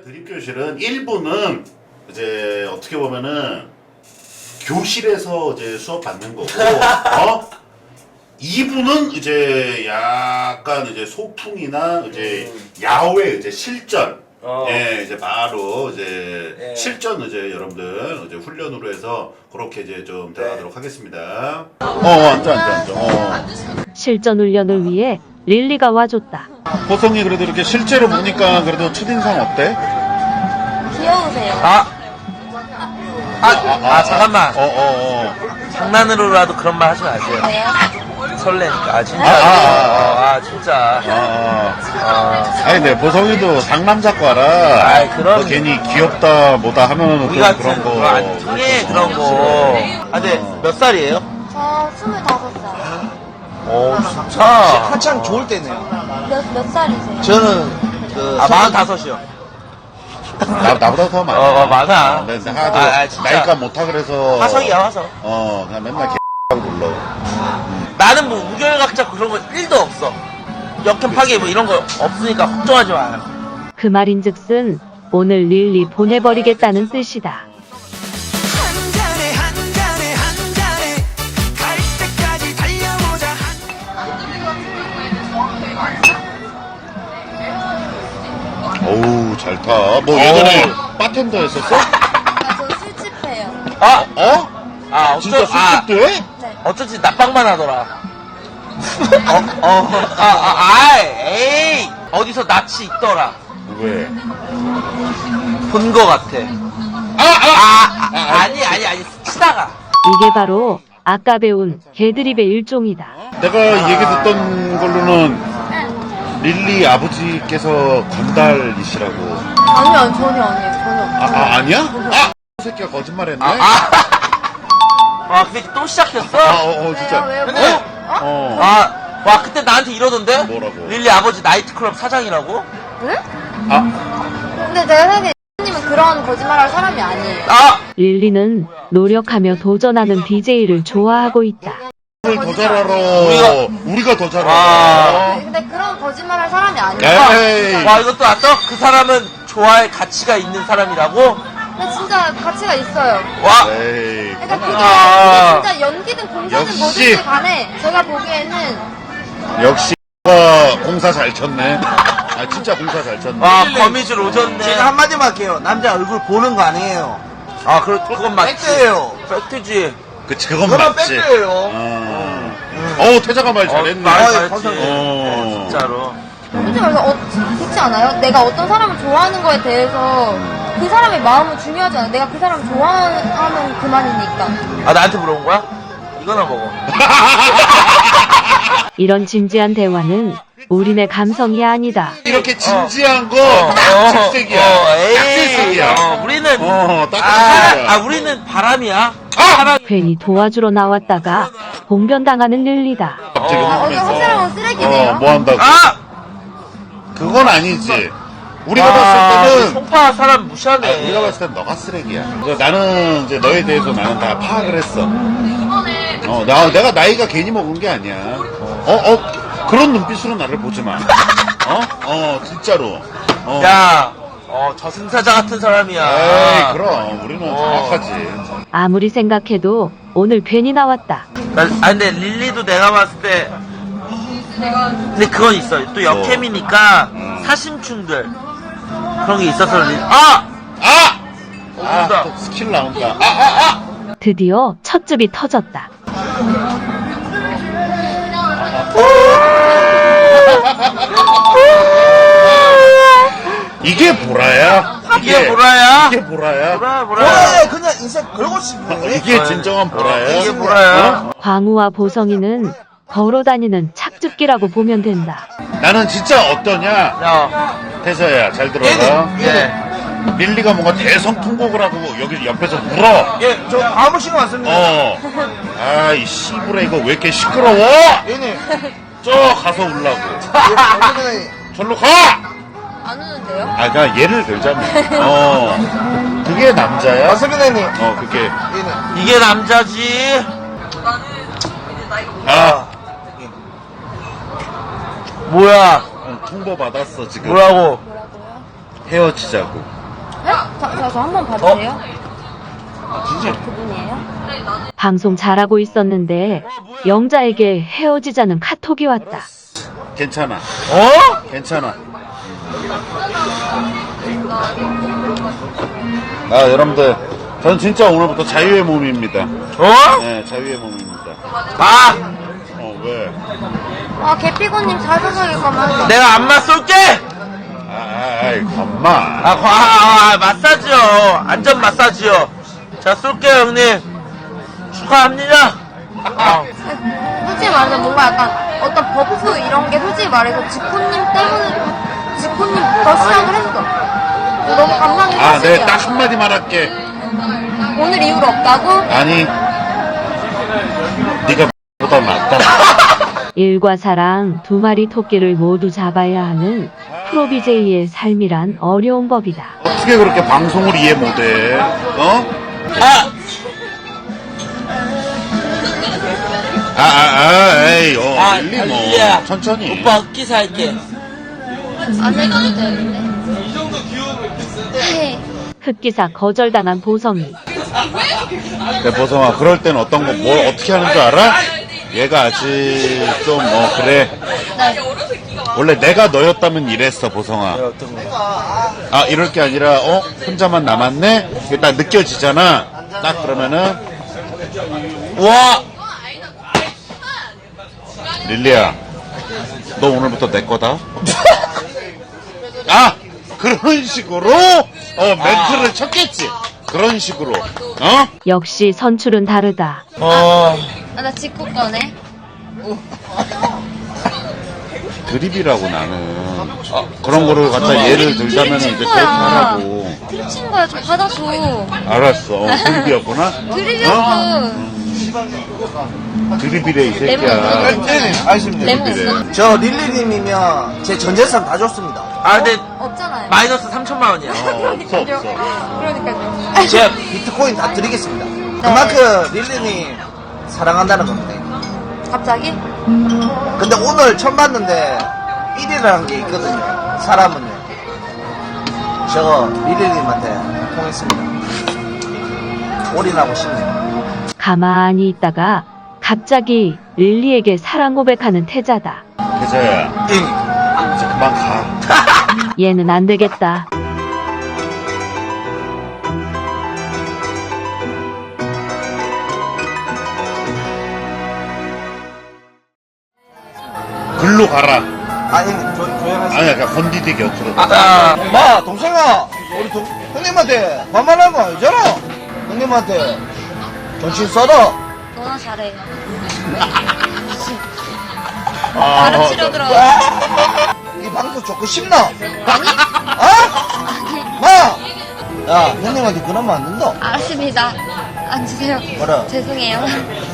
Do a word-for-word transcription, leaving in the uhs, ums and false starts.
그림교실은 일 부는 이제 어떻게 보면은 교실에서 이제 수업 받는 거고, 어? 이 부는 이제 약간 이제 소풍이나 이제 야외 이제 실전, 어. 예, 이제 바로 이제 예. 실전 이제 여러분들 이제 훈련으로 해서 그렇게 이제 좀 대화하도록 하겠습니다. 어, 앉아, 앉아, 앉아. 어. 실전 훈련을 위해 릴리가 와줬다. 보성이 그래도 이렇게 실제로 보니까 그래도 첫인상 어때? 귀여우세요. 아, 아, 아, 잠깐만. 어, 어, 어. 장난으로라도 그런 말 하지 마세요. 왜요? 설레니까. 아, 진짜. 아, 아, 아, 아, 진짜. 아, 아, 아니, 근데 보성이도 상남자과라. 아이, 그럼. 뭐 괜히 귀엽다, 뭐다 하면은 우리 또 같은 그런 거. 그거 안 통해, 그런 거. 아, 근데 몇 살이에요? 저 스물다섯 살. 오, 진짜. 한창 좋을 때네요. 몇, 몇 살이세요? 저는 그 아, 마흔다섯이요. 나, 나보다 더 많아. 어, 어, 많아. 네, 근데 하나도 아, 아, 진짜. 나이가 못하 그래서. 화성이야, 화성. 어, 그냥 맨날 개하고 불러. 나는 뭐 우결각자 그런 거 일도 없어. 역행 파괴 뭐 이런 거 없으니까 걱정하지 마요. 그 말인즉슨 오늘 릴리 보내버리겠다는 뜻이다. 한 잔에 한 잔에 한 잔에 갈 때까지 달려보자. 어우, 잘 타. 뭐 예전에 바텐더 했었어? 아, 저 술집해요. 아, 어? 아, 어쩌, 진짜 아, 술집도 해? 네. 어쩐지 납방만 하더라. 어, 어, 아, 아, 아, 에이, 어디서 낯이 있더라. 왜? 본 거 같아. 아, 아! 아, 아, 아니, 아니, 아니, 치다가. 이게 바로 아까 배운 개드립의 일종이다. 내가 얘기 듣던 걸로는 릴리 아버지께서 건달이시라고. 아니요, 전혀 아니에요. 전혀. 아, 아 아니야? 아! 이 새끼가 거짓말했네? 아, 아. 아, 그 새끼 또 시작했어? 아, 어, 어, 진짜. 왜요, 왜요? 근데, 어? 어. 아, 와, 그때 나한테 이러던데? 뭐라고? 릴리 아버지 나이트클럽 사장이라고? 응? 아, 근데 제가 생각에 님은 그런 거짓말할 사람이 아니에요. 아! 릴리는 노력하며 도전하는 디제이를 좋아하고 있다. 오늘 더 잘 알아. 우리가- 우리가 더 잘 아. 알아. 네, 근데 그런 거짓말할 사람이 아니에요. 에이. 와, 이것도 알았어? 그 사람은 좋아할 가치가 있는 사람이라고? 근데 진짜 가치가 있어요. 와! 에이. 그러니까 그게, 아. 그게 진짜 연기든 공사든 역시. 뭐든지 간에 제가 보기에는 역시 가 공사 잘 쳤네. 아 진짜 공사 잘 쳤네. 와, 거미줄 오졌네. 제가 한마디만 할게요. 남자 얼굴 보는 거 아니에요. 아, 그, 그건 맞지. 팩트예요. 팩트지. 그치 그건 그건 맞지. 팩트예요. 어. 어우 태자가 말 잘했네. 말 아유, 잘했지. 감사합니다. 어, 진짜로. 솔직히 말해서 어, 그렇지 않아요? 내가 어떤 사람을 좋아하는 거에 대해서 그 사람의 마음은 중요하지 않아요. 내가 그 사람을 좋아하면 그만이니까. 아, 나한테 물어본 거야? 이거나 먹어. 이런 진지한 대화는 우리네 감성이 아니다. 이렇게 진지한 어, 거 딱 어, 질색이야. 어, 딱 에이. 질색이야. 어, 우리는. 어, 딱 아, 질색이야. 아, 우리는 바람이야. 아! 사랑. 괜히 도와주러 나왔다가 봉변당하는 릴리다. 갑자기 어. 아, 어제 흥분해서. 확실한 쓰레기네요. 어, 뭐 한다고? 아! 그건 아니지. 우리가 아, 봤을 때는 송파 사람 무시하네. 아니, 우리가 봤을 땐 너가 쓰레기야. 그래서 나는 이제 너에 대해서 나는 다 파악을 했어. 어, 나, 내가 나이가 괜히 먹은 게 아니야. 어, 어, 그런 눈빛으로 나를 보지 마. 어? 어, 진짜로. 어. 야, 어, 저승사자 같은 사람이야. 에이, 그럼. 우리는 어. 정확하지. 아무리 생각해도 오늘 괜히 나왔다. 나, 아, 근데 릴리도 내가 봤을 때. 근데 그건 있어. 또 역캠이니까 음. 사심충들. 그런 게 있어서 릴 아! 아! 어, 아, 온다. 또 스킬 나온다. 아, 아, 아! 드디어 첫 즙이 터졌다. 이게 보라야? 이게 보라야? 이게 보라야? 보라야, 보라야. 뭐야, 그냥 인생 걸고 싶네. 이게 진정한 보라야? 이게 보라야. 광우와 보성이는 걸어다니는 착즙기라고 보면 된다. 나는 진짜 어떠냐? 야, 태서야, 잘 들어라. 얘는, 얘. 릴리가 뭔가 대성통곡을 하고 여기 옆에서 울어. 예, 저 아무 신경 안 씁니다. 어. 아이 씨부라 이거 왜 이렇게 시끄러워? 얘네. 저 가서 울라고. 예, 절로 가. 안 우는데요? 아, 그냥 예를 들자면. 어. 그게 남자야? 박서빈님. 어, 그게. 얘네. 이게 남자지. 아, 뭐야? 통보 받았어 지금. 뭐라고? 뭐라고요? 헤어지자고. 저, 저, 저 한 번 봐주세요. 아, 진짜? 그분이에요? 방송 잘하고 있었는데 영자에게 헤어지자는 카톡이 왔다. 괜찮아. 어? 괜찮아. 아, 여러분들, 저는 진짜 오늘부터 자유의 몸입니다. 어? 네, 자유의 몸입니다. 아! 어, 왜? 아, 개피고님 자소석일 거면. 내가 안마 쏠게! 아, 아이, 엄마. 아, 과, 아, 아, 마사지요. 안전 마사지요. 자, 쏠게요, 형님. 축하합니다. 아, 솔직히 말해서 뭔가 약간 어떤 버프 이런 게 솔직히 말해서 지코님 때문에, 지코님부터 시작을 했어. 너무 감사한 게 아, 사실이야. 내가 딱 한마디 말할게. 오늘 이후로 없다고? 아니, 네가 보다 낫다. 일과 사랑 두 마리 토끼를 모두 잡아야 하는 프로비제이의 삶이란 어려운 법이다. 어떻게 그렇게 방송을 이해 못해? 어? 아! 아, 아, 아, 에이, 어, 아, 일리 뭐. 릴리야. 천천히. 오빠 흑기 살게. 안 해줘도 되는데. 네. 흑기사 거절당한 보성이. 근데 보성아, 그럴 땐 어떤 거, 뭘 어떻게 하는 줄 알아? 얘가 아직 좀, 어, 그래. 네. 원래 내가 너였다면 이랬어, 보성아. 어떤 거? 아, 이럴 게 아니라, 어? 혼자만 남았네? 이게 딱 느껴지잖아? 딱 그러면은, 와! 릴리야, 너 오늘부터 내 거다? 아! 그런 식으로, 어, 멘트를 쳤겠지? 그런 식으로, 어? 역시 선출은 다르다. 어, 아, 나 직구 거네. 드립이라고 나는. 아, 그런 거를 갖다 예를 들자면 이제 드립 친 그렇게 거야. 하라고. 드립 친 거야. 좀 받아줘. 알았어. 어, 드립이었구나? 드립이었어. 드립이래, 이 레몬 새끼야. 있어. 네, 알겠습니다. 레몬 그래. 있어. 저 릴리님이면 제 전 재산 다 줬습니다. 아, 근데 없잖아요. 마이너스 삼천만 원이야. 어, 없어, 없어. 그러니까요. 제가 비트코인 다 드리겠습니다. 그만큼 릴리님 사랑한다는 겁니다. 갑자기? 근데 오늘 처음 봤는데 일이라는 게 있거든요. 사람은요. 저 릴리님한테 통했습니다. 올인하고 싶네요. 가만히 있다가 갑자기 릴리에게 사랑 고백하는 태자다. 계자야, 응. 이제 그만 가. 얘는 안 되겠다. 글로 가라. 아, 형님, 조, 조용하세요. 아니야, 그냥 건디디 곁으로. 아, 마, 동생아, 우리 동, 형님한테 반말한 거 아니잖아. 형님한테 정신 써라. 너나 잘해. 아, 가르치려 들어. 이 방송 좋고 싶나? 아니? 어? 마! 야, 형님한테 그러면 안 된다. 알았습니다. 앉으세요. 뭐라? 죄송해요.